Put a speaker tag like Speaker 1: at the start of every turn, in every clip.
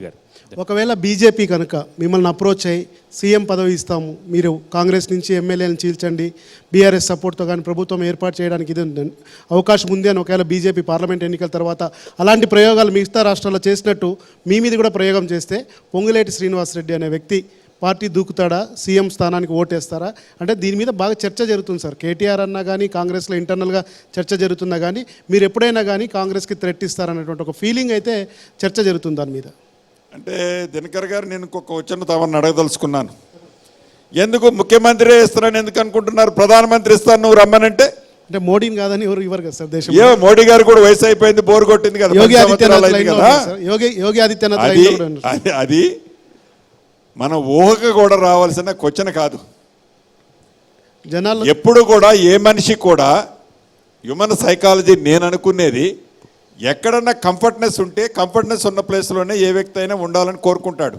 Speaker 1: ఒకవేళ బీజేపీ కనుక మిమ్మల్ని అప్రోచ్ అయ్యి సీఎం పదవి ఇస్తాము, మీరు కాంగ్రెస్ నుంచి ఎమ్మెల్యేలను చీల్చండి, బీఆర్ఎస్ సపోర్ట్తో కానీ ప్రభుత్వం ఏర్పాటు చేయడానికి ఇది అవకాశం ఉంది అని ఒకవేళ బీజేపీ పార్లమెంట్ ఎన్నికల తర్వాత అలాంటి ప్రయోగాలు మిగతా రాష్ట్రాల్లో చేసినట్టు మీ మీద కూడా ప్రయోగం చేస్తే పొంగులేటి శ్రీనివాసరెడ్డి అనే వ్యక్తి పార్టీ దూకుతాడా, సీఎం స్థానానికి ఓటేస్తారా? అంటే దీని మీద బాగా చర్చ జరుగుతుంది సార్. కేటీఆర్ అన్నా కానీ కాంగ్రెస్లో ఇంటర్నల్గా చర్చ జరుగుతున్నా కానీ మీరు ఎప్పుడైనా కానీ కాంగ్రెస్కి థ్రెట్ ఇస్తారనేటువంటి ఒక ఫీలింగ్ అయితే చర్చ జరుగుతుంది దాని మీద.
Speaker 2: అంటే దినకర్ గారు, నేను ఇంకొక వచ్చిన తమను అడగదలుచుకున్నాను. ఎందుకు ముఖ్యమంత్రి ఇస్తారని ఎందుకు అనుకుంటున్నారు? ప్రధానమంత్రి ఇస్తాను నువ్వు రమ్మనంటే
Speaker 1: అంటే మోడీని కాదని ఎవరు ఇవ్వరు కదా సార్. దేశం
Speaker 2: ఏ మోడీ గారు కూడా వయసు అయిపోయింది, బోరు కొట్టింది కదా.
Speaker 1: యోగి ఆదిత్యనాథ్
Speaker 2: అది మన ఊహకు కూడా రావాల్సిన క్వశ్చన్ కాదు.
Speaker 1: జనాలు
Speaker 2: ఎప్పుడు కూడా ఏ మనిషి కూడా హ్యూమన్ సైకాలజీ నేను అనుకునేది, ఎక్కడన్నా కంఫర్ట్నెస్ ఉంటే కంఫర్ట్నెస్ ఉన్న ప్లేస్లోనే ఏ వ్యక్తి అయినా ఉండాలని కోరుకుంటాడు.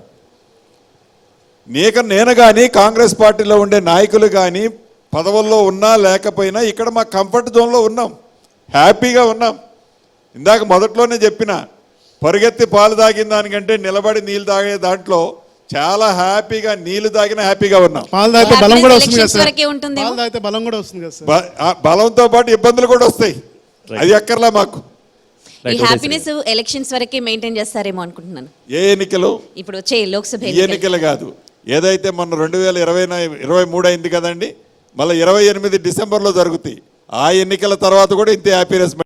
Speaker 2: నేను కానీ కాంగ్రెస్ పార్టీలో ఉండే నాయకులు కానీ పదవుల్లో ఉన్నా లేకపోయినా ఇక్కడ మా కంఫర్ట్ జోన్లో ఉన్నాం, హ్యాపీగా ఉన్నాం. ఇందాక మొదట్లోనే చెప్పిన, పరిగెత్తి పాలు తాగిన దానికంటే నిలబడి నీళ్ళు తాగే దాంట్లో చాలా హ్యాపీగా, నీళ్లు తాగిన హ్యాపీగా ఉన్నాం.
Speaker 1: పాలు తాగితే బలం కూడా వస్తుంది కదా సార్. పాలు తాగితే బలం కూడా వస్తుంది కదా సార్.
Speaker 2: బలంతో పాటు ఇబ్బందులు కూడా వస్తాయి, అది ఎక్కర్లా మాకు.
Speaker 3: ఈ హ్యాపీనెస్ ఎలక్షన్స్ వరకే మెయింటైన్ చేస్తారేమో అనుకుంటున్నాను.
Speaker 2: ఏ ఎన్నికలు?
Speaker 3: ఇప్పుడు వచ్చే లోక్సభ
Speaker 2: ఎన్నికలు కాదు, ఏదైతే మొన్న 2023 అయింది కదండి, మళ్ళీ 28 డిసెంబర్లో జరుగుతాయి. ఆ ఎన్నికల తర్వాత కూడా ఇంతే హ్యాపీనెస్.